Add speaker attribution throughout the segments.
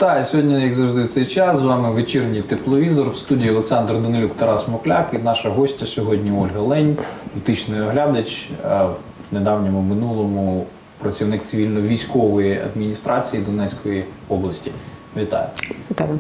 Speaker 1: Вітаю! Сьогодні, як завжди, в цей час з вами вечірній тепловізор. В студії Олександр Данилюк, Тарас Мокляк. І наша гостя сьогодні Ольга Лень, політичний оглядач, в недавньому минулому працівник цивільно-військової адміністрації Донецької області. Вітаю!
Speaker 2: Вітаю!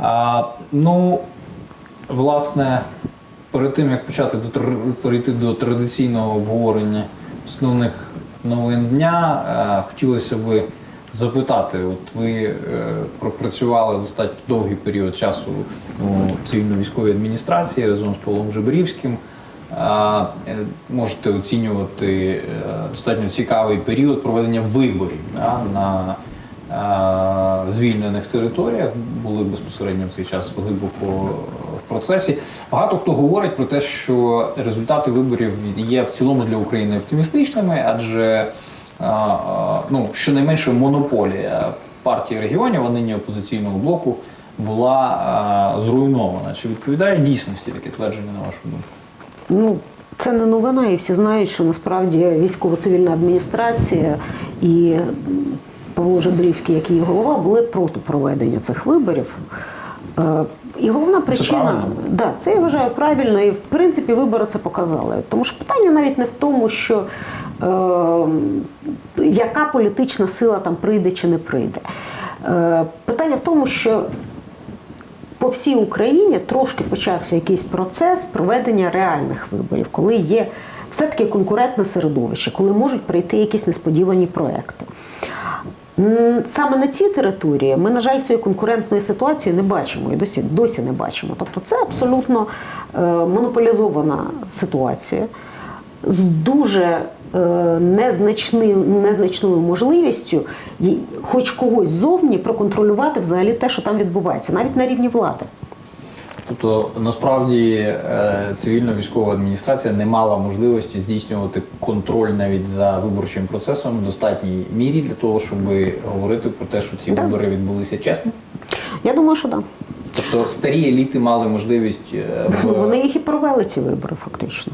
Speaker 1: Власне, перед тим, як перейти до традиційного обговорення основних новин дня, хотілося б запитати, от ви пропрацювали достатньо довгий період часу у цивільно-військовій адміністрації разом з Павлом Жебрівським. Можете оцінювати достатньо цікавий період проведення виборів на звільнених територіях, були безпосередньо в цей час глибоко в процесі. Багато хто говорить про те, що результати виборів є в цілому для України оптимістичними, адже щонайменше монополія партії регіонів, а нині опозиційного блоку, була зруйнована. Чи відповідає дійсності таке твердження, на вашу думку?
Speaker 2: Це не новина, і всі знають, що насправді військово-цивільна адміністрація і Павло Жебрівський, як її голова, були проти проведення цих виборів. І головна причина, це я вважаю правильно, і в принципі вибори це показали. Тому що питання навіть не в тому, що яка політична сила там прийде чи не прийде. Питання в тому, що по всій Україні трошки почався якийсь процес проведення реальних виборів, коли є все-таки конкурентне середовище, коли можуть прийти якісь несподівані проекти. Саме на цій території ми, на жаль, цієї конкурентної ситуації не бачимо і досі не бачимо. Тобто це абсолютно монополізована ситуація з дуже незначною можливістю хоч когось ззовні проконтролювати взагалі те, що там відбувається, навіть на рівні влади.
Speaker 1: Тобто, насправді, цивільно-військова адміністрація не мала можливості здійснювати контроль навіть за виборчим процесом в достатній мірі для того, щоб говорити про те, що ці вибори відбулися чесно? Я
Speaker 2: думаю, що так.
Speaker 1: Тобто, старі еліти мали можливість...
Speaker 2: Вони їх і провели, ці вибори, фактично.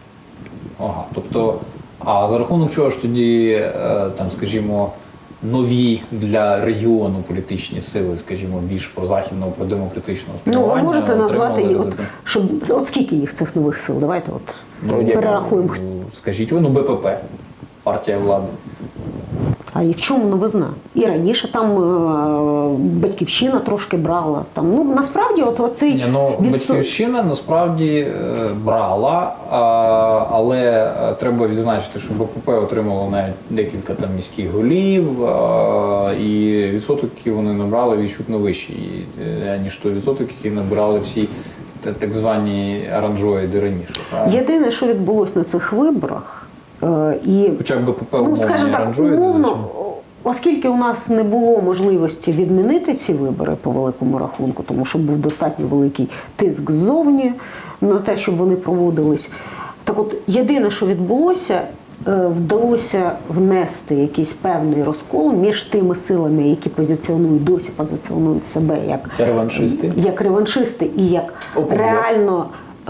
Speaker 1: Тобто, а за рахунок чого ж тоді, скажімо, нові для регіону політичні сили, скажімо, більш прозахідного, продемократичного спрямування.
Speaker 2: Ви можете назвати їх, от скільки їх цих нових сил? Давайте перерахуємо.
Speaker 1: Скажіть ви, БПП, партія влади.
Speaker 2: А і в чому новизна? І раніше там Батьківщина трошки брала. Насправді,
Speaker 1: Батьківщина насправді брала, але треба відзначити, що БПП отримало навіть декілька міських голів, і відсоток, який вони набрали, відчутно вищий, ніж той відсоток, який набирали всі так звані оранжоїди раніше.
Speaker 2: Єдине, що відбулося на цих виборах,
Speaker 1: хоча б БПП
Speaker 2: умовно, оскільки у нас не було можливості відмінити ці вибори по великому рахунку, тому що був достатньо великий тиск ззовні на те, щоб вони проводились. Так от, єдине, що відбулося, вдалося внести якийсь певний розкол між тими силами, які досі позиціонують себе як реваншисти і як реально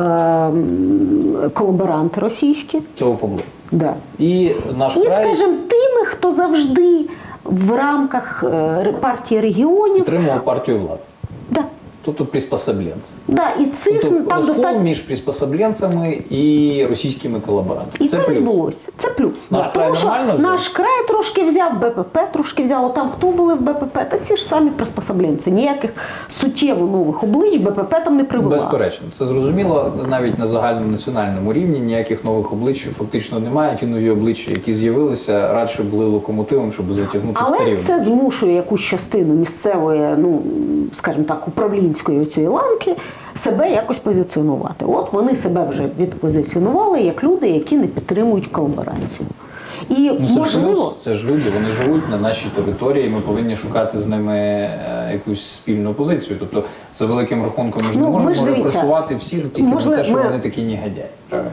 Speaker 2: колаборанти російські.
Speaker 1: Цього Павло.
Speaker 2: Да.
Speaker 1: І,
Speaker 2: скажімо, тими, хто завжди в рамках партії регіонів
Speaker 1: підтримував партію влади.
Speaker 2: Да.
Speaker 1: Тобто приспособленці.
Speaker 2: Да, і цих
Speaker 1: там розкол між приспособленцями і російськими колаборантами.
Speaker 2: І це відбулося. Це плюс. Тому що наш край трошки взяв, БПП трошки взяло. Там хто були в БПП? Та ці ж самі приспособленці. Ніяких суттєво нових облич БПП там не привела.
Speaker 1: Безперечно. Це зрозуміло. Навіть на загальнонаціональному рівні ніяких нових облич фактично немає. Ті нові обличчя, які з'явилися, радше були локомотивом, щоб затягнути старі.
Speaker 2: Але це змушує якусь частину місцевої, скажімо так, управлінської цієї ланки себе якось позиціонувати. От вони себе вже відпозиціонували як люди, які не підтримують колаборацію. І можливо,
Speaker 1: це ж люди, вони живуть на нашій території, ми повинні шукати з ними якусь спільну позицію. Тобто, за великим рахунком, ми ж не можемо репресувати всіх тільки за те, що вони такі негодяї. Правильно?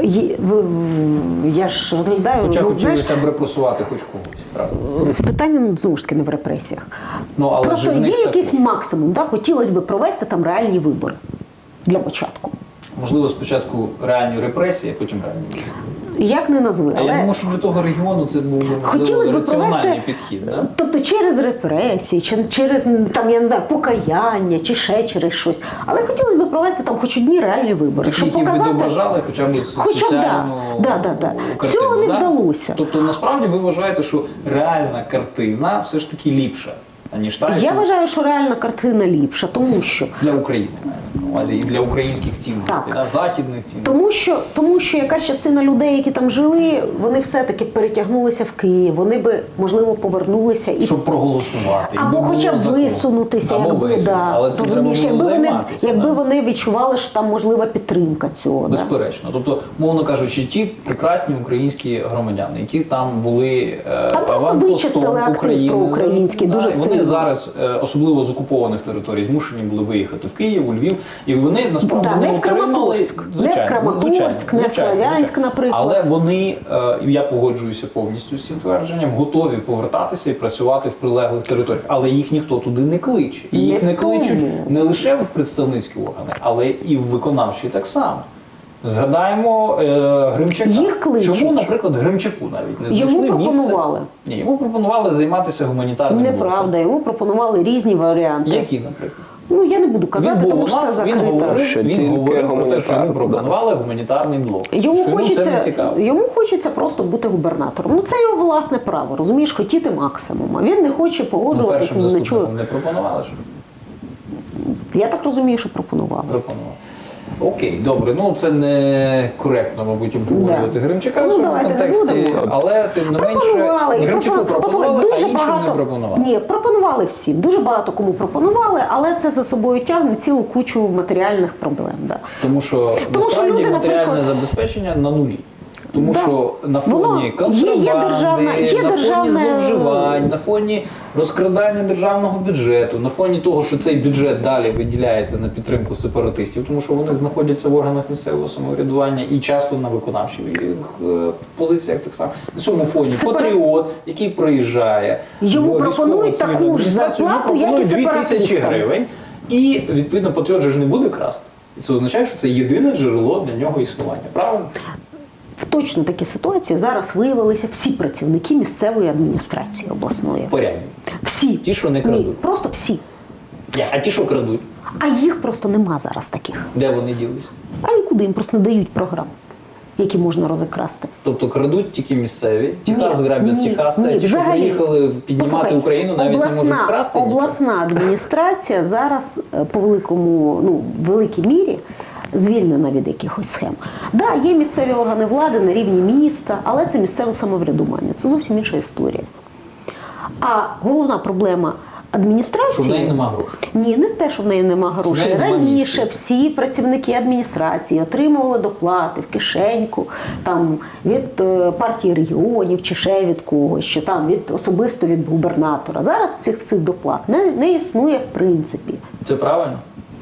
Speaker 2: Я ж розглядаю...
Speaker 1: Хоча хотілося б репресувати хоч когось, правда?
Speaker 2: Питання, знову ж таки, не в репресіях.
Speaker 1: Але
Speaker 2: просто є якийсь максимум, хотілося б провести там реальні вибори для початку.
Speaker 1: Можливо, спочатку реальні репресії, а потім реальні вибори.
Speaker 2: як не назви.
Speaker 1: А я думаю, що для того регіону це був
Speaker 2: хотілося б
Speaker 1: раціональний
Speaker 2: провести,
Speaker 1: підхід. Да?
Speaker 2: тобто через репресії, чи через там, я не знаю, покаяння, чи ще через щось. Але хотілося б провести там хоч одні реальні вибори,
Speaker 1: Такі,
Speaker 2: щоб
Speaker 1: які
Speaker 2: показати...
Speaker 1: відображали хоча б соціальну
Speaker 2: да.
Speaker 1: картину.
Speaker 2: Цього не
Speaker 1: да?
Speaker 2: вдалося.
Speaker 1: Тобто, насправді, ви вважаєте, що реальна картина все ж таки ліпша, аніж та,
Speaker 2: Я вважаю, що реальна картина ліпша, тому що
Speaker 1: для України мається на увазі, і для українських цінностей,
Speaker 2: Так.
Speaker 1: да? Західних цінностей.
Speaker 2: тому що якась частина людей, які там жили, вони все-таки перетягнулися в Київ, вони би, можливо, повернулися і
Speaker 1: Щоб проголосувати.
Speaker 2: або
Speaker 1: якби
Speaker 2: хоча б
Speaker 1: було закон.
Speaker 2: висунутися,
Speaker 1: Або
Speaker 2: якби,
Speaker 1: висунути.
Speaker 2: да,
Speaker 1: Але цим треба
Speaker 2: розумієш,
Speaker 1: було займатися.
Speaker 2: якби
Speaker 1: да?
Speaker 2: вони відчували, що там можлива підтримка цього. Да.
Speaker 1: Безперечно. Тобто, мовно кажучи, ті прекрасні українські громадяни, які там були
Speaker 2: Там просто
Speaker 1: аванпостом
Speaker 2: вичистили актив
Speaker 1: України,
Speaker 2: проукраїнський,
Speaker 1: да,
Speaker 2: дуже
Speaker 1: і вони
Speaker 2: сильно.
Speaker 1: зараз, особливо з окупованих територій, змушені були виїхати в Київ, у Львів, і вони насправді
Speaker 2: Да, не в Краматорськ, не в Краматорськ, не в Слов'янськ, наприклад.
Speaker 1: Але вони, я погоджуюся повністю з цим твердженням, готові повертатися і працювати в прилеглих територіях. Але їх ніхто туди не кличе. І їх не кличуть не лише в представницькі органи, але і в виконавчі так само. Згадаємо Гримчака.
Speaker 2: Їх кличуть.
Speaker 1: Чому, наприклад, Гримчаку навіть не
Speaker 2: Йому
Speaker 1: знайшли місце?
Speaker 2: пропонували.
Speaker 1: Ні, йому пропонували займатися гуманітарним
Speaker 2: Неправда,
Speaker 1: блоком.
Speaker 2: йому пропонували різні варіанти.
Speaker 1: Які, наприклад?
Speaker 2: Ну, я не буду казати,
Speaker 1: Він був
Speaker 2: тому
Speaker 1: у
Speaker 2: що це
Speaker 1: нас, він
Speaker 2: закрита.
Speaker 1: говорив,
Speaker 3: Що
Speaker 1: він
Speaker 3: тільки
Speaker 1: говорив про те, що йому
Speaker 3: гуманітарку,
Speaker 1: пропонували гуманітарний блок.
Speaker 2: Йому
Speaker 1: що йому це не цікаво.
Speaker 2: йому хочеться просто бути губернатором. Ну, це його власне право, розумієш, хотіти максимум. А він не хоче
Speaker 1: Ну,
Speaker 2: погоджуватися
Speaker 1: першим
Speaker 2: ні на чого.
Speaker 1: заступником не пропонували ж?
Speaker 2: Я так розумію, що пропонували.
Speaker 1: Пропонували. Окей, добре. Ну це не коректно, мабуть, обговорювати
Speaker 2: Да.
Speaker 1: Гримчака в
Speaker 2: Ну,
Speaker 1: цьому
Speaker 2: давайте не
Speaker 1: контексті,
Speaker 2: будемо.
Speaker 1: але тим не менше
Speaker 2: Пропонували. І
Speaker 1: Гримчаку пропонували, а іншим не пропонували.
Speaker 2: Ні, пропонували всім. Дуже багато кому пропонували, але це за собою тягне цілу кучу матеріальних проблем. Да.
Speaker 1: Тому що
Speaker 2: Тому що
Speaker 1: насправді
Speaker 2: люди,
Speaker 1: матеріальне
Speaker 2: наприклад,
Speaker 1: забезпечення на нулі. Тому
Speaker 2: Да.
Speaker 1: що на
Speaker 2: Воно
Speaker 1: фоні
Speaker 2: є
Speaker 1: контрабанди,
Speaker 2: є
Speaker 1: на фоні
Speaker 2: державне-
Speaker 1: зловживань, на фоні розкрадання державного бюджету, на фоні того, що цей бюджет далі виділяється на підтримку сепаратистів, тому що вони знаходяться в органах місцевого самоврядування і часто на виконавчих позиціях так само. На цьому фоні патріот, який приїжджає
Speaker 2: Йому
Speaker 1: в
Speaker 2: пропонують
Speaker 1: військово-цивільну
Speaker 2: таку ж
Speaker 1: адміністрацію, йому
Speaker 2: зарплату, як і
Speaker 1: пропонують 2000
Speaker 2: сепаратистам.
Speaker 1: гривень, і відповідно патріот же ж не буде красти. І це означає, що це єдине джерело для нього існування. Правильно?
Speaker 2: В точно такі ситуації зараз виявилися всі працівники місцевої адміністрації обласної.
Speaker 1: Порядні.
Speaker 2: Всі.
Speaker 1: Ті, що не
Speaker 2: Ні,
Speaker 1: крадуть.
Speaker 2: просто всі.
Speaker 1: А ті, що крадуть,
Speaker 2: А їх просто нема зараз таких.
Speaker 1: де вони ділися?
Speaker 2: А нікуди їм просто не дають програм, які можна розікрасти.
Speaker 1: Тобто крадуть тільки місцеві, ті
Speaker 2: Ні,
Speaker 1: хас грабять,
Speaker 2: ні,
Speaker 1: ті хаси,
Speaker 2: ні,
Speaker 1: ті, що
Speaker 2: взагалі.
Speaker 1: приїхали піднімати
Speaker 2: Послухай,
Speaker 1: Україну, навіть не можуть вкрасти нічого.
Speaker 2: обласна адміністрація зараз по великій мірі звільнена від якихось схем. Да, є місцеві органи влади на рівні міста, але це місцеве самоврядування. Це зовсім інша історія. А головна проблема адміністрації...
Speaker 1: Що в неї нема грошей.
Speaker 2: Ні, не те, що в неї нема грошей.
Speaker 1: неї нема
Speaker 2: Раніше
Speaker 1: місця.
Speaker 2: всі працівники адміністрації отримували доплати в кишеньку там, від партії регіонів чи ще від когось, чи там особисто від губернатора. Зараз цих всіх доплат не існує в принципі.
Speaker 1: Це правильно?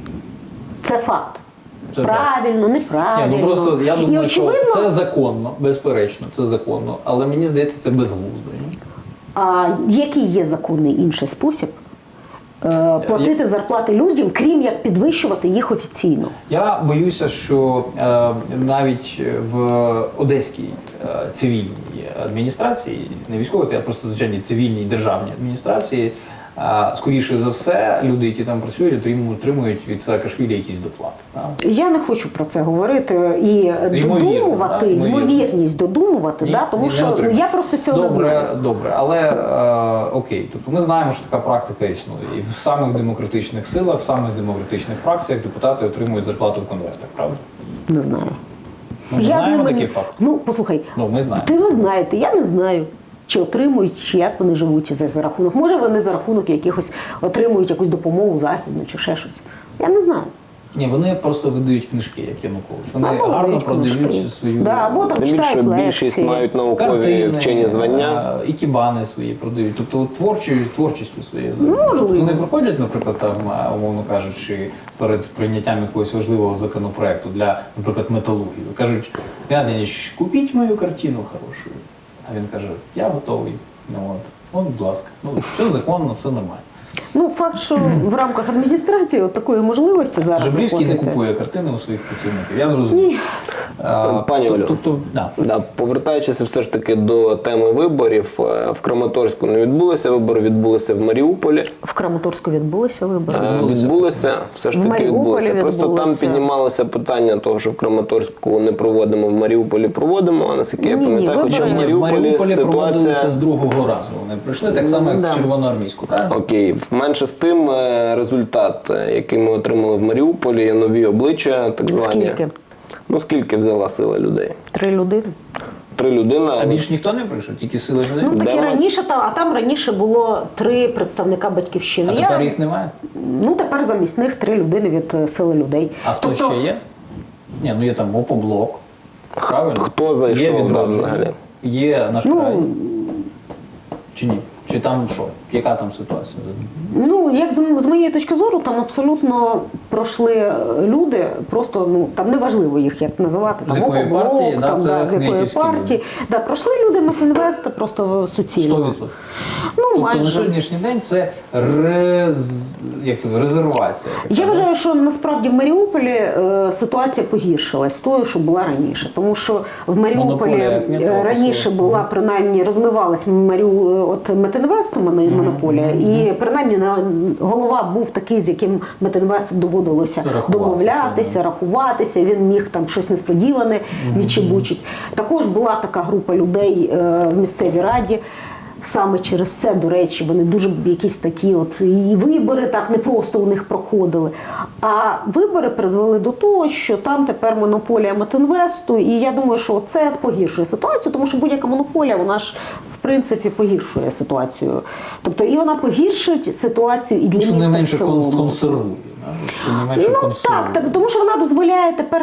Speaker 2: Це факт.
Speaker 1: Це
Speaker 2: Правильно, неправильно.
Speaker 1: Ні, ну просто я
Speaker 2: І
Speaker 1: думаю,
Speaker 2: очевидно,
Speaker 1: що це законно, безперечно, це законно, але мені здається, це безглуздо. Ні?
Speaker 2: а який є законний інший спосіб платити зарплати людям, крім як підвищувати їх офіційно?
Speaker 1: Я боюся, що навіть в Одеській цивільній адміністрації, не військовій, а просто звичайній цивільній державній адміністрації, скоріше за все, люди, які там працюють, отримують від Саакашвілі якісь доплати.
Speaker 2: Я не хочу про це говорити і
Speaker 1: Ймовірно,
Speaker 2: додумувати,
Speaker 1: да?
Speaker 2: ймовірність додумувати,
Speaker 1: Ні,
Speaker 2: тому
Speaker 1: ні, не
Speaker 2: що
Speaker 1: отримують.
Speaker 2: я просто цього не знаю.
Speaker 1: Добре, але окей. Тобто ми знаємо, що така практика існує. І в самих демократичних силах, в самих демократичних фракціях депутати отримують зарплату в конвертах, правда?
Speaker 2: Не знаю.
Speaker 1: Ми
Speaker 2: Я
Speaker 1: знаємо
Speaker 2: з ними
Speaker 1: такий
Speaker 2: не-
Speaker 1: факт.
Speaker 2: Ну, послухай,
Speaker 1: Ну, ми знаємо.
Speaker 2: ти ви знаєте, я не знаю. Чи отримують, чи як вони живуть, чи за рахунок. Може вони за рахунок якихось отримують якусь допомогу західну, чи ще щось. Я не знаю.
Speaker 1: Ні, вони просто видають книжки, як Янукович. Вони
Speaker 2: Або
Speaker 1: гарно
Speaker 2: видають
Speaker 1: продають
Speaker 2: книжки.
Speaker 1: свою
Speaker 2: Да, або там
Speaker 3: Тим більше
Speaker 2: читають
Speaker 3: більшість
Speaker 2: лекції.
Speaker 3: мають наукові
Speaker 1: картини,
Speaker 3: вчені звання.
Speaker 1: і кібани свої продають. Тобто творчістю своєю.
Speaker 2: Можливо.
Speaker 1: Вони приходять, наприклад, там, умовно кажучи, перед прийняттям якогось важливого законопроекту для, наприклад, металургії. Кажуть, Геннадій Леонідович, купіть мою картину хорошу. А він каже, я готовий. Ну, от, будь ласка. Ну, все законно, все нормально.
Speaker 2: Ну, факт, що в рамках адміністрації от такої можливості зараз
Speaker 1: Жебрівський не
Speaker 2: заходити.
Speaker 1: купує картини у своїх працівників, я зрозумів.
Speaker 2: Ні.
Speaker 3: Пані Олю,
Speaker 1: да.
Speaker 3: да, повертаючись все ж таки до теми виборів, в Краматорську не відбулися вибори, відбулися в Маріуполі.
Speaker 2: В Краматорську відбулися вибори.
Speaker 3: Відбулися, все ж
Speaker 2: В
Speaker 3: таки
Speaker 2: Маріуполі
Speaker 3: відбулися. Просто там
Speaker 2: відбулися.
Speaker 3: піднімалося питання того, що в Краматорську не проводимо, в Маріуполі проводимо, а наскільки я
Speaker 2: Ні,
Speaker 3: пам'ятаю, хоча в
Speaker 2: вибори-
Speaker 1: В
Speaker 3: Маріуполі
Speaker 1: Маріуполі проводилися
Speaker 3: ситуація...
Speaker 1: з другого разу. Вони прийшли так само, як
Speaker 2: Да.
Speaker 1: в Червоноармійську, правильно?
Speaker 3: Окей, менше з тим результат, який ми отримали в Маріуполі, нові обличчя, так звані.
Speaker 2: Скільки?
Speaker 3: Ну, скільки взяла сила людей?
Speaker 2: 3 людини.
Speaker 3: 3 людини.
Speaker 1: А більш ніхто не прийшов, тільки сили людей?
Speaker 2: Ну, так і
Speaker 3: Де
Speaker 2: раніше, а там раніше було 3 представника Батьківщини.
Speaker 1: А тепер їх немає?
Speaker 2: Ну, тепер замість них 3 людини від сили людей.
Speaker 1: А хто ще є? Ні, ну є там ОПОБЛОК. Правильно?
Speaker 3: Хто зайшов,
Speaker 1: Є
Speaker 3: да,
Speaker 1: Відродження,
Speaker 3: взагалі?
Speaker 1: Є Наш
Speaker 2: Ну,
Speaker 1: край. Чи ні? Чи там що? Яка там ситуація?
Speaker 2: Ну, як з моєї точки зору, там абсолютно пройшли люди, просто ну там неважливо їх як називати,
Speaker 1: З
Speaker 2: там
Speaker 1: якої
Speaker 2: «Опоблок»,
Speaker 1: партії, да,
Speaker 2: там,
Speaker 1: це
Speaker 2: з якої
Speaker 1: хмельницькі
Speaker 2: партії. Да, пройшли люди Метинвеста просто суцільно.
Speaker 1: 100%.
Speaker 2: Ну,
Speaker 1: Тобто
Speaker 2: майже.
Speaker 1: на сьогоднішній день це як це, резервація. така,
Speaker 2: Я
Speaker 1: да?
Speaker 2: вважаю, що насправді в Маріуполі ситуація погіршилась з тою, що була раніше. Тому що в Маріуполі
Speaker 1: Монополія, як метро,
Speaker 2: раніше
Speaker 1: все.
Speaker 2: була принаймні розвивалась от Метинвесту монополія, і принаймні голова був такий, з яким Метинвесту доводилося
Speaker 1: Рахуватися,
Speaker 2: домовлятися, рахуватися. Він міг там щось несподіване відчебучить. Також була така група людей в місцевій раді. Саме через це, до речі, вони дуже якісь такі от і вибори так не просто у них проходили. А вибори призвели до того, що там тепер монополія Метинвесту, і я думаю, що це погіршує ситуацію, тому що будь-яка монополія, вона ж в принципі погіршує ситуацію. Тобто і вона погіршить ситуацію і для
Speaker 1: Що не
Speaker 2: міста
Speaker 1: менше
Speaker 2: в цілому.
Speaker 1: консервує. Да? Що не менше консервує.
Speaker 2: Так, тому що вона дозволяє тепер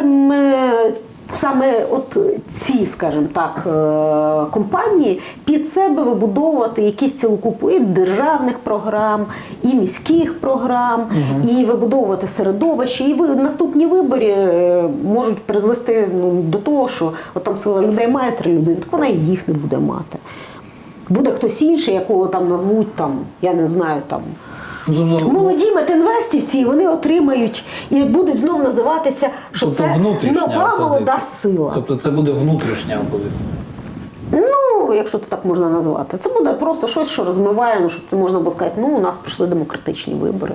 Speaker 2: саме от ці, скажімо так, компанії під себе вибудовувати якісь цілокупу і державних програм, і міських програм, і вибудовувати середовище. І наступні вибори можуть призвести до того, що от там сила людей має 3 людини, так вона і їх не буде мати. Буде хтось інший, якого там назвуть, там, я не знаю, там, молоді метинвестівці, вони отримають і будуть знов називатися, що
Speaker 1: Тобто
Speaker 2: це
Speaker 1: внутрішня
Speaker 2: нова
Speaker 1: опозиція.
Speaker 2: молода сила.
Speaker 1: Тобто це буде внутрішня опозиція.
Speaker 2: Ну, якщо це так можна назвати. Це буде просто щось, що розмиває, ну, щоб можна було сказати, ну, у нас прийшли демократичні вибори.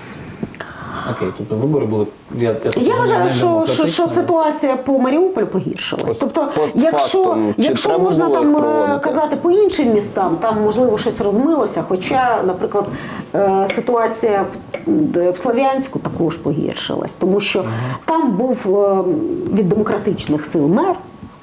Speaker 1: Окей, тобто вибори були...
Speaker 2: Я вважаю, що
Speaker 1: демократичні.
Speaker 2: ситуація по Маріуполю погіршилась. Тобто,
Speaker 3: Постфактум, чи
Speaker 2: якщо
Speaker 3: треба
Speaker 2: можна
Speaker 3: було
Speaker 2: там
Speaker 3: їх проводити?
Speaker 2: казати по іншим містам, там можливо щось розмилося, хоча, наприклад, ситуація в Слов'янську також погіршилась, тому що там був від демократичних сил мер,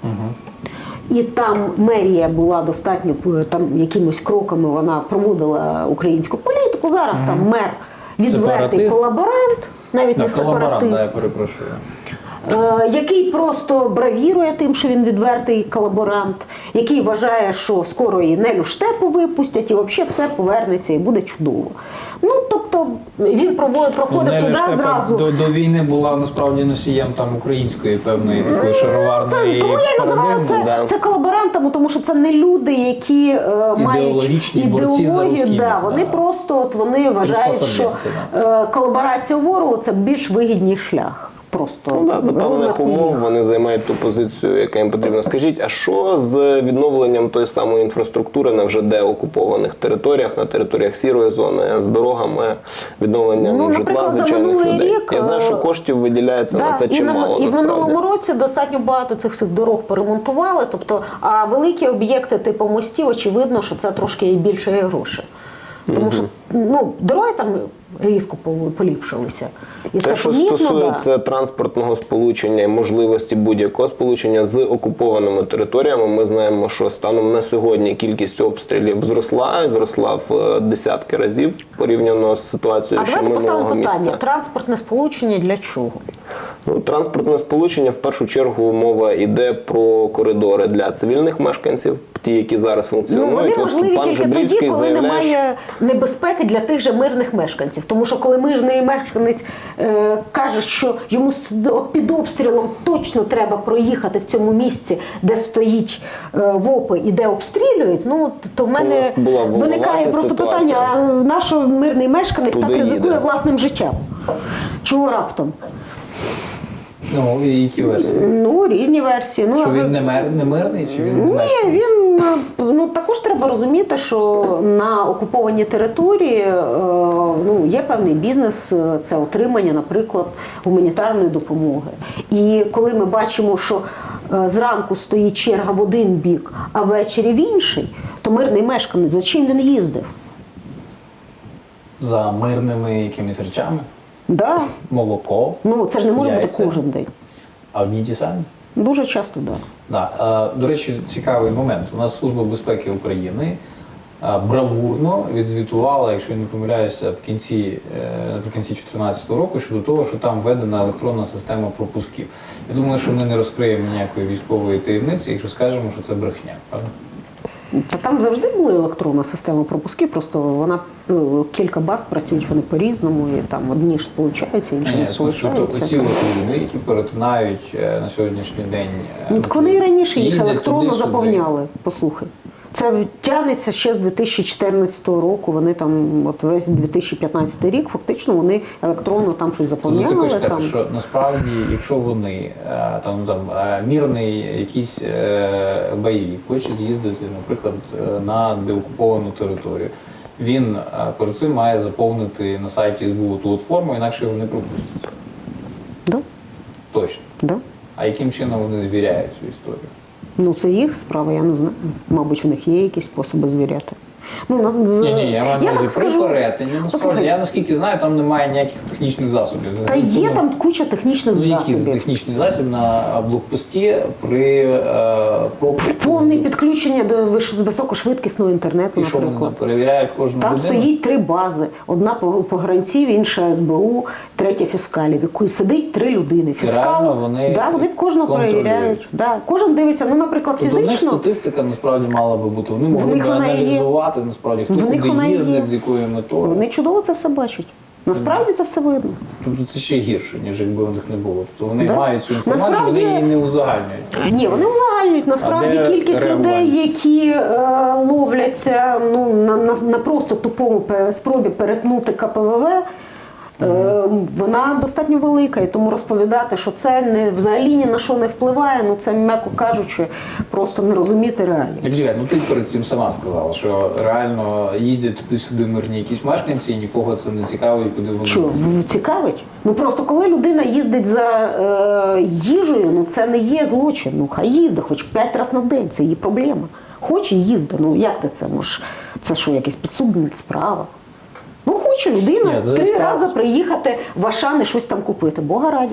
Speaker 2: і там мерія була достатньо, там якимось кроками вона проводила українську політику, зараз там мер відвертий
Speaker 1: Сепаратист.
Speaker 2: колаборант, навіть не
Speaker 1: Колаборант, да, я
Speaker 2: сепаратист,
Speaker 1: перепрошую.
Speaker 2: який просто бравірує тим, що він відвертий колаборант, який вважає, що скоро і Нелю Штепу випустять, і взагалі все повернеться і буде чудово. Ну, тобто, він проходив
Speaker 1: Нелі
Speaker 2: туди
Speaker 1: Штепа
Speaker 2: зразу.
Speaker 1: до війни була насправді носієм там української певної такої шароварної
Speaker 2: Тому я й називаю
Speaker 1: парадигми.
Speaker 3: да.
Speaker 2: це колаборантами, тому що це не люди, які мають
Speaker 1: Ідеологічні борці за
Speaker 2: ідеологію.
Speaker 1: русський
Speaker 2: Да,
Speaker 1: мір,
Speaker 2: вони
Speaker 1: да.
Speaker 2: просто от вони вважають, що
Speaker 1: Приспособленці,
Speaker 2: колаборація ворогу це більш вигідний шлях. Просто
Speaker 3: Ну, да, за певних
Speaker 2: розвитку
Speaker 3: умов
Speaker 2: їх.
Speaker 3: вони займають ту позицію, яка їм потрібна. Скажіть, а що з відновленням тої самої інфраструктури на вже деокупованих територіях, на територіях сірої зони, з дорогами, відновленням
Speaker 2: Ну,
Speaker 3: житла
Speaker 2: наприклад, за
Speaker 3: звичайних
Speaker 2: минулий
Speaker 3: людей?
Speaker 2: рік,
Speaker 3: Я знаю, що коштів виділяється на це
Speaker 2: і
Speaker 3: чимало,
Speaker 2: і в
Speaker 3: насправді.
Speaker 2: минулому році достатньо багато цих всіх дорог поремонтували. Тобто, а великі об'єкти типу мостів, очевидно, що це трошки і більше грошей. Тому що дороги там різко поліпшилися. І
Speaker 3: Те,
Speaker 2: це
Speaker 3: що
Speaker 2: помітно,
Speaker 3: стосується транспортного сполучення і можливості будь-якого сполучення з окупованими територіями, ми знаємо, що станом на сьогодні кількість обстрілів зросла в десятки разів порівняно з ситуацією
Speaker 2: А
Speaker 3: ще
Speaker 2: давайте
Speaker 3: минулого
Speaker 2: поставимо питання.
Speaker 3: місяця.
Speaker 2: Транспортне сполучення для чого?
Speaker 3: Ну, транспортне сполучення, в першу чергу, мова йде про коридори для цивільних мешканців, ті, які зараз функціонують.
Speaker 2: Вони
Speaker 3: От
Speaker 2: можливі
Speaker 3: пан
Speaker 2: тільки тоді,
Speaker 3: Жебрівський
Speaker 2: коли
Speaker 3: заявляє,
Speaker 2: немає небезпеки для тих же мирних мешканців. Тому що коли мирний мешканець каже, що йому під обстрілом точно треба проїхати в цьому місці, де стоїть ВОПи і де обстрілюють, ну то в мене
Speaker 3: нас була в
Speaker 2: виникає
Speaker 3: Волновасі
Speaker 2: просто
Speaker 3: ситуація.
Speaker 2: питання, а наш мирний мешканець
Speaker 3: Туди
Speaker 2: так ризикує
Speaker 3: їде.
Speaker 2: власним життям? Чого раптом?
Speaker 1: Ну, і які версії?
Speaker 2: Ну, різні версії. Ну,
Speaker 1: Що він не мирний, чи він не
Speaker 2: Ні,
Speaker 1: мешкає?
Speaker 2: він також треба розуміти, що на окупованій території є певний бізнес, це отримання, наприклад, гуманітарної допомоги. І коли ми бачимо, що зранку стоїть черга в один бік, а ввечері в інший, то мирний мешканець, за чим він їздив?
Speaker 1: За мирними якимись речами?
Speaker 2: Да.
Speaker 1: Молоко?
Speaker 2: Ну, це ж не може бути
Speaker 1: Яйця?
Speaker 2: кожен день.
Speaker 1: А одні й ті самі?
Speaker 2: Дуже часто, так. Да.
Speaker 1: Да. До речі, цікавий момент. У нас Служба безпеки України бравурно відзвітувала, якщо я не помиляюся, наприкінці 2014 року щодо того, що там введена електронна система пропусків. Я думаю, що ми не розкриємо ніякої військової таємниці, якщо скажемо, що це брехня. Правда?
Speaker 2: Та там завжди була електронна система пропусків, просто вона кілька баз працюють вони по-різному, і там одні ж сполучаються, інші не
Speaker 1: Тобто
Speaker 2: сполучаються.
Speaker 1: оці люди, які перетинають на сьогоднішній день.
Speaker 2: Так вони і раніше їх
Speaker 1: їздять
Speaker 2: електронно
Speaker 1: туди-сюди.
Speaker 2: заповняли. Послухай. Це тягнеться ще з 2014 року. Вони там, от весь 2015 рік, фактично вони електронно там щось
Speaker 1: Ну,
Speaker 2: заповняли.
Speaker 1: ти хочеш сказати,
Speaker 2: Там.
Speaker 1: що насправді, якщо вони мірний якийсь бойовик хоче з'їздити, наприклад, на деокуповану територію, він перед цим має заповнити на сайті СБУ ту от форму, інакше його не пропустять.
Speaker 2: Да?
Speaker 1: Точно.
Speaker 2: Да?
Speaker 1: А яким чином вони звіряють цю історію?
Speaker 2: Ну, це їх справа, я не знаю. Мабуть, в них є якісь способи звіряти. Ну,
Speaker 1: Ні, я маю на увазі при перетині. Насправді,
Speaker 2: Послухай,
Speaker 1: я наскільки знаю, там немає ніяких технічних засобів.
Speaker 2: та є там куча технічних
Speaker 1: Ну, який
Speaker 2: засобів.
Speaker 1: технічний засіб на блокпості при пропуску?
Speaker 2: Повне підключення до високошвидкісного інтернету,
Speaker 1: І що вони
Speaker 2: наприклад.
Speaker 1: перевіряють кожну
Speaker 2: Там
Speaker 1: людину?
Speaker 2: стоїть 3 бази. Одна погранців, інша СБУ, третя фіскалів, в якої сидить 3 людини.
Speaker 1: реально вони
Speaker 2: вони кожного
Speaker 1: контролюють.
Speaker 2: перевіряють. Да. Кожен дивиться, ну, наприклад,
Speaker 1: Тобто в них
Speaker 2: фізично.
Speaker 1: статистика насправді мала би бути. Вони могли
Speaker 2: них
Speaker 1: б
Speaker 2: вона є.
Speaker 1: аналізувати насправді, хто
Speaker 2: В них вона
Speaker 1: куди
Speaker 2: є.
Speaker 1: їздить, з якою метою.
Speaker 2: Вони чудово це все бачать. Насправді це все видно.
Speaker 1: Тобто це ще гірше, ніж якби у них не було. Тобто вони
Speaker 2: Да.
Speaker 1: мають цю інформацію,
Speaker 2: Насправді-
Speaker 1: вони її не узагальнюють.
Speaker 2: Ні, вони узагальнюють. Насправді
Speaker 1: А де
Speaker 2: кількість
Speaker 1: реагування?
Speaker 2: людей, які ловляться на просто тупому спробі перетнути КПВВ, вона достатньо велика. І тому розповідати, що це взагалі ні на що не впливає, ну це, м'яко кажучи, просто не розуміти реалії.
Speaker 1: Як чекай, ну ти перед цим сама сказала, що реально їздять туди-сюди мирні якісь мешканці, і нікого це не цікавить, куди вони.
Speaker 2: Що, цікавить? Ну просто коли людина їздить за їжею, ну це не є злочин. Ну хай їздить, хоч 5 разів на день, це її проблема. Хоче їздить, ну як ти це можеш? Це що, якась підсудна справа? Ну хоче людина
Speaker 1: Ні, це
Speaker 2: 3
Speaker 1: справа.
Speaker 2: рази приїхати в Ашан і щось там купити. Бога раді.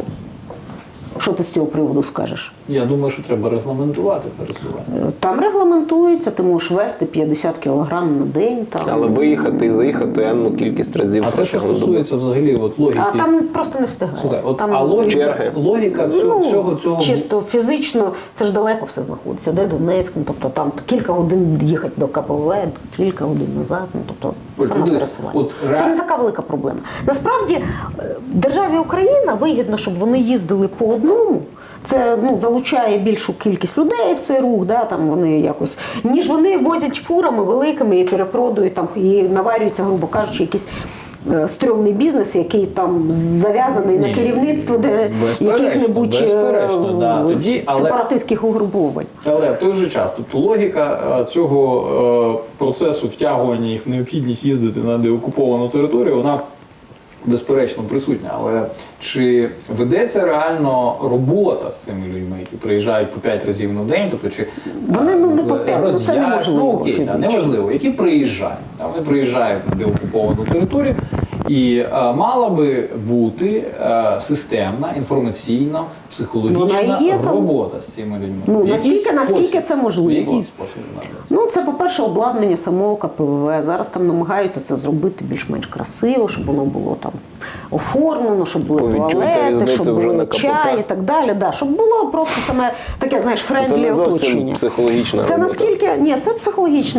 Speaker 2: Що ти з цього приводу скажеш?
Speaker 1: Я думаю, що треба регламентувати пересування.
Speaker 2: Там регламентується, ти можеш вести 50 кілограм на день. Там.
Speaker 3: Але виїхати і заїхати енну кількість разів
Speaker 1: А те, що
Speaker 3: протягом доби.
Speaker 1: стосується взагалі от логіки.
Speaker 2: А там просто не встигає.
Speaker 1: Слухай, от,
Speaker 2: Там,
Speaker 1: а логіка,
Speaker 3: черги.
Speaker 1: логіка всього цього.
Speaker 2: Чисто фізично, це ж далеко все знаходиться, де Донецьк, ну, тобто там кілька годин їхати до КПВ, кілька годин назад, ну, тобто
Speaker 1: Оль,
Speaker 2: саме
Speaker 1: ну, дивись,
Speaker 2: пересування.
Speaker 1: от
Speaker 2: Це не така велика проблема. Насправді, державі Україна вигідно, щоб вони їздили по одному. Це залучає більшу кількість людей в цей рух, да, там вони якось, ніж вони возять фурами великими і перепродують там, і наварюються, грубо кажучи, якийсь стрьомний бізнес, який там зав'язаний на керівництво яких-небудь
Speaker 1: да. Тоді,
Speaker 2: сепаратистських угрупувань.
Speaker 1: Але в той же час, тобто логіка цього процесу втягування їх в необхідність їздити на деокуповану територію, вона безперечно присутня. Але чи ведеться реально робота з цими людьми, які приїжджають по 5 разів на день, тобто чи
Speaker 2: вони не по 5, це неможливо.
Speaker 1: Окей, неможливо, які приїжджають. Вони приїжджають на деокуповану територію, і мала би бути системна, інформаційна, психологічна робота з цими людьми.
Speaker 2: Ну, наскільки це можливо?
Speaker 1: В який спосіб вона?
Speaker 2: Ну, це, по-перше, обладнання самого КПВВ. Зараз там намагаються це зробити більш-менш красиво, щоб воно було там оформлено, щоб були туалети, щоб були чай і так далі. Да, щоб було просто саме таке, знаєш, френдлі оточення.
Speaker 3: Це не зовсім психологічна
Speaker 2: Це
Speaker 3: робота.
Speaker 2: наскільки... Ні, це психологічне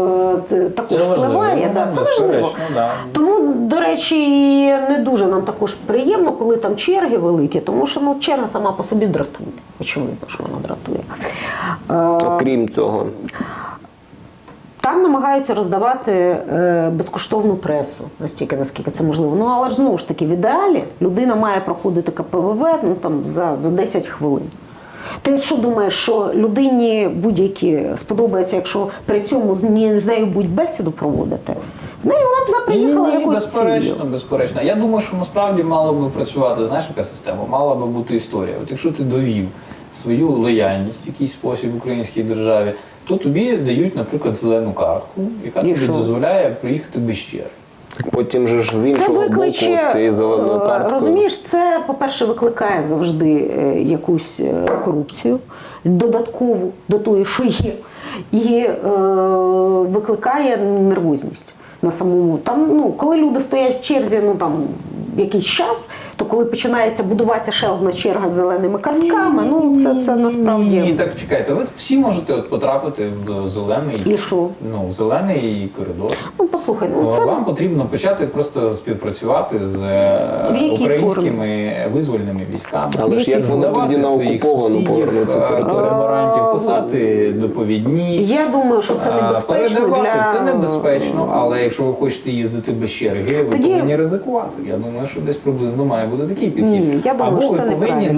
Speaker 2: також впливає. Да, це важливо.
Speaker 1: Да.
Speaker 2: Тому, до речі, не дуже нам також приємно, коли там черги великі, тому що черга сама по собі дратує. Очевидно, що вона дратує.
Speaker 3: Окрім цього.
Speaker 2: Там намагаються роздавати безкоштовну пресу, настільки, наскільки це можливо. Ну, але ж знову ж таки, в ідеалі людина має проходити КПВВ за 10 хвилин. Ти що думаєш, що людині будь-які сподобається, якщо при цьому з нею будуть бесіду проводити? Ну, і вона туди приїхала з якоюсь ціллю.
Speaker 1: Безперечно. Я думаю, що насправді мала би працювати, знаєш, яка система? Мала би бути історія. От якщо ти довів свою лояльність в якийсь спосіб в українській державі, то тобі дають, наприклад, зелену картку, яка тобі дозволяє приїхати без черги.
Speaker 3: Потім же ж з іншого боку, з цією зеленою карткою.
Speaker 2: Розумієш, це, по-перше, викликає завжди якусь корупцію, додаткову до тої, що є, і викликає нервозність на самому. Там, ну, коли люди стоять в черзі, ну там якийсь час, то коли починається будуватися ще одна черга з зеленими картками, ну це насправді...
Speaker 1: Ні, так чекайте, ви всі можете потрапити в зелений,
Speaker 2: І що?
Speaker 1: Ну, в зелений коридор.
Speaker 2: Ну, послухай, ну це...
Speaker 1: Вам потрібно почати просто співпрацювати з українськими визвольними військами.
Speaker 3: Але ж як вони тоді на окуповану повернуться територію?
Speaker 1: Колаборантів писати доповідні.
Speaker 2: Я думаю, що це небезпечно для...
Speaker 1: Це небезпечно, але якщо ви хочете їздити без черги, ви повинні ризикувати. Я думаю, що десь приблизно має бути такий підхід.
Speaker 2: Ні, я думаю,
Speaker 1: або
Speaker 2: що
Speaker 1: ви
Speaker 2: це
Speaker 1: повинні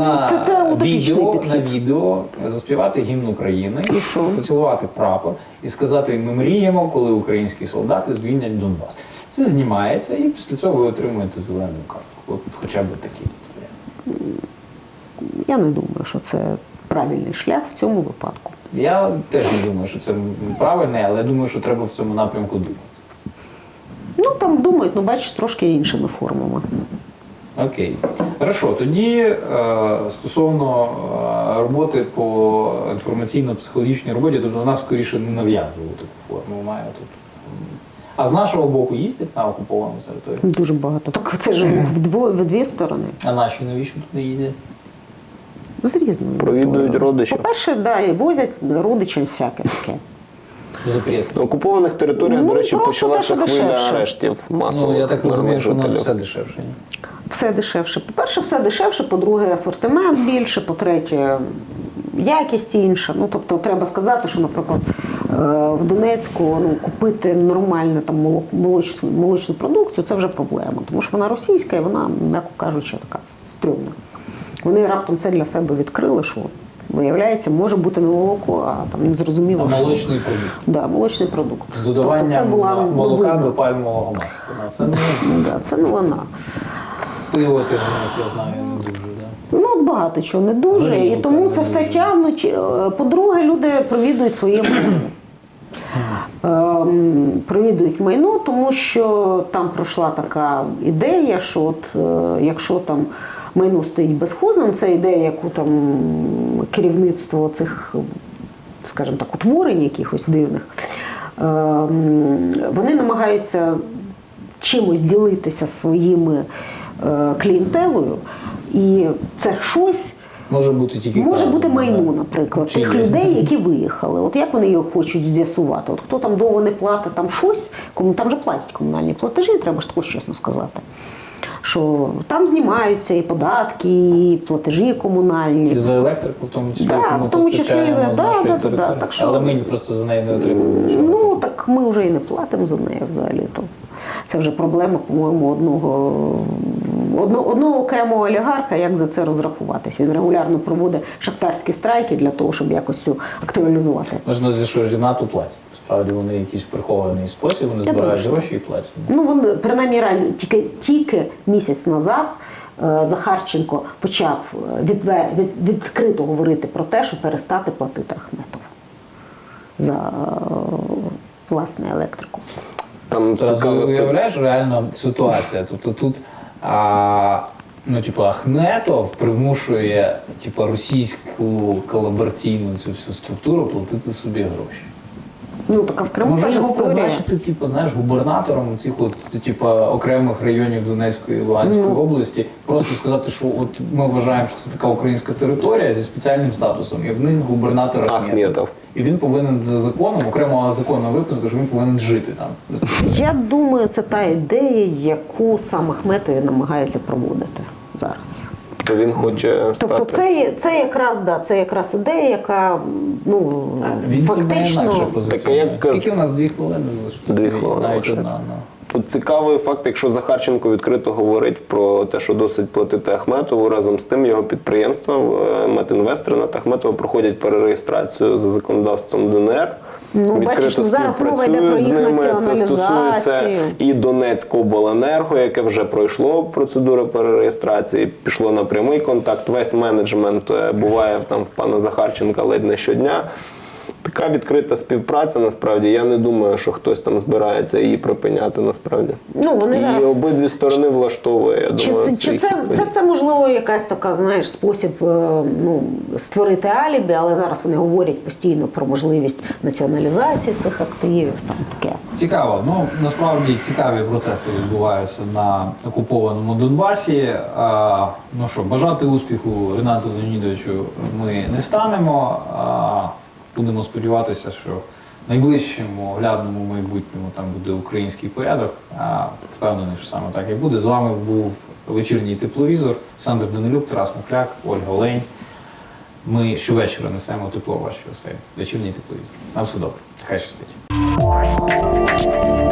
Speaker 1: на
Speaker 2: підхід.
Speaker 1: відео заспівати гімн України, поцілувати прапор і сказати, ми мріємо, коли українські солдати звільнять Донбас. Це знімається і після цього ви отримуєте зелену картку. От хоча б такий варіант.
Speaker 2: Я не думаю, що це правильний шлях в цьому випадку.
Speaker 1: Я теж не думаю, що це правильне, але я думаю, що треба в цьому напрямку думати.
Speaker 2: Ну, там думають, ну, бачиш, трошки іншими формами.
Speaker 1: Окей. Хорошо, тоді стосовно роботи по інформаційно-психологічній роботі, тобто вона скоріше не нав'язливу таку форму має тут. А з нашого боку їздять на окуповану територію?
Speaker 2: Дуже багато. Так це ж в дві сторони.
Speaker 1: А наші навіщо туди їздять?
Speaker 2: З різними.
Speaker 3: Провідують родичів.
Speaker 2: По-перше, да, і возять родичам всяке таке.
Speaker 1: Запрет.
Speaker 3: На окупованих територіях, до речі, почалася хвиля арештів масових.
Speaker 1: Ну, я так розумію, що у нас
Speaker 3: жителів.
Speaker 1: все дешевше, ні?
Speaker 2: Все дешевше. По-перше, все дешевше, по-друге, асортимент більше, по-третє, якість інша. Ну, тобто, треба сказати, що, наприклад, в Донецьку купити нормальну там, молочну продукцію – це вже проблема. Тому що вона російська і вона, м'яко кажучи, така стрьомна. Вони раптом це для себе відкрили, що виявляється, може бути не молоко, а там не зрозуміло,
Speaker 1: А
Speaker 2: що.
Speaker 1: молочний продукт.
Speaker 2: Да, молочний продукт.
Speaker 1: З додаванням
Speaker 2: це була
Speaker 1: молока
Speaker 2: новина.
Speaker 1: до пальмового масла. Це не
Speaker 2: Да, це новина.
Speaker 1: пиво, я знаю, не дуже. Да?
Speaker 2: Ну, от багато чого не дуже,
Speaker 1: Горілка
Speaker 2: і тому
Speaker 1: не
Speaker 2: це все
Speaker 1: дуже.
Speaker 2: тягнуть. По-друге, люди провідують своє майно. Провідують майно, тому що там пройшла така ідея, що от, якщо там майно стоїть безхозним, це ідея, яку там керівництво цих, скажімо так, утворень якихось дивних, вони намагаються чимось ділитися зі своїми клієнтелою, і це щось
Speaker 1: Може бути тільки
Speaker 2: може бути
Speaker 1: крадено,
Speaker 2: майно,
Speaker 1: да?
Speaker 2: наприклад,
Speaker 1: Чи
Speaker 2: тих
Speaker 1: є?
Speaker 2: людей, які виїхали. От як вони його хочуть з'ясувати? От хто там довго не платить там щось, кому там же платять комунальні платежі, треба ж також чесно сказати. Що там знімаються і податки, і платежі комунальні.
Speaker 1: І за електрику, в тому числі,
Speaker 2: Да,
Speaker 1: яку ми
Speaker 2: в тому числі
Speaker 1: постачаємо
Speaker 2: і
Speaker 1: з
Speaker 2: за-
Speaker 1: нашої
Speaker 2: да,
Speaker 1: території.
Speaker 2: так що-
Speaker 1: Але ми просто за неї не отримуємо нічого.
Speaker 2: Ну, так ми вже і не платимо за неї взагалі-то. Це вже проблема, по-моєму, одного окремого олігарха, як за це розрахуватись. Він регулярно проводить шахтарські страйки для того, щоб якось цю актуалізувати.
Speaker 1: Можна зі що жінату платять. Справді вони якийсь прихований спосіб, вони
Speaker 2: Я
Speaker 1: збирають
Speaker 2: думаю,
Speaker 1: гроші і платять.
Speaker 2: Ну, вони, принаймні, реально, тільки місяць назад Захарченко почав відкрито говорити про те, що перестати платити Ахметову за власне електрику.
Speaker 3: Там
Speaker 1: Зараз
Speaker 3: цікаво.
Speaker 1: уявляєш реально ситуація. Тобто тут Ахметов примушує російську колабораційну цю всю структуру платити собі гроші.
Speaker 2: Ну, така в Криму
Speaker 1: Може
Speaker 2: теж
Speaker 1: його
Speaker 2: історія.
Speaker 1: призначити, губернатором цих окремих районів Донецької і Луганської області, просто сказати, що от ми вважаємо, що це така українська територія зі спеціальним статусом, і в них губернатор
Speaker 3: Ахметов.
Speaker 1: І він повинен за законом, окремого закону виписати, що він повинен жити там.
Speaker 2: Я думаю, це та ідея, яку сам Ахметові намагається проводити зараз.
Speaker 3: то він хоче стати.
Speaker 2: Тобто це якраз ідея, яка
Speaker 1: Він себе
Speaker 2: фактично.
Speaker 1: інакше
Speaker 3: Так,
Speaker 1: позиціонує.
Speaker 3: як-
Speaker 1: Скільки у нас 2 хвилини залишилось?
Speaker 3: 2 хвилини
Speaker 1: Навіть
Speaker 3: лишається.
Speaker 1: одна,
Speaker 3: Тут цікавий факт, якщо Захарченко відкрито говорить про те, що досить платити Ахметову, разом з тим його підприємства Метінвестори на Ахметова проходять перереєстрацію за законодавством ДНР.
Speaker 2: Ну, бачиш, зараз мова йде про їх
Speaker 3: Це
Speaker 2: націоналізацію.
Speaker 3: стосується і Донецькобленерго, яке вже пройшло процедуру перереєстрації, пішло на прямий контакт. Весь менеджмент буває там в пана Захарченка ледь не щодня. Така відкрита співпраця, насправді, я не думаю, що хтось там збирається її припиняти, насправді.
Speaker 2: Вони
Speaker 3: І
Speaker 2: зараз...
Speaker 3: обидві сторони влаштовує, я думаю,
Speaker 2: Чи це можливо якась така, знаєш, спосіб створити алібі, але зараз вони говорять постійно про можливість націоналізації цих активів, там таке.
Speaker 1: Цікаво. Ну, насправді цікаві процеси відбуваються на окупованому Донбасі. Ну що, бажати успіху Ренату Леонідовичу ми не станемо. Будемо сподіватися, що в найближчому оглядному майбутньому там буде український порядок. Впевнений, що саме так і буде. З вами був вечірній тепловізор. Олександр Данилюк, Тарас Мухляк, Ольга Олень. Ми щовечора несемо тепло в ваші оселі. Вечірній тепловізор. На все добре. Хай щастить.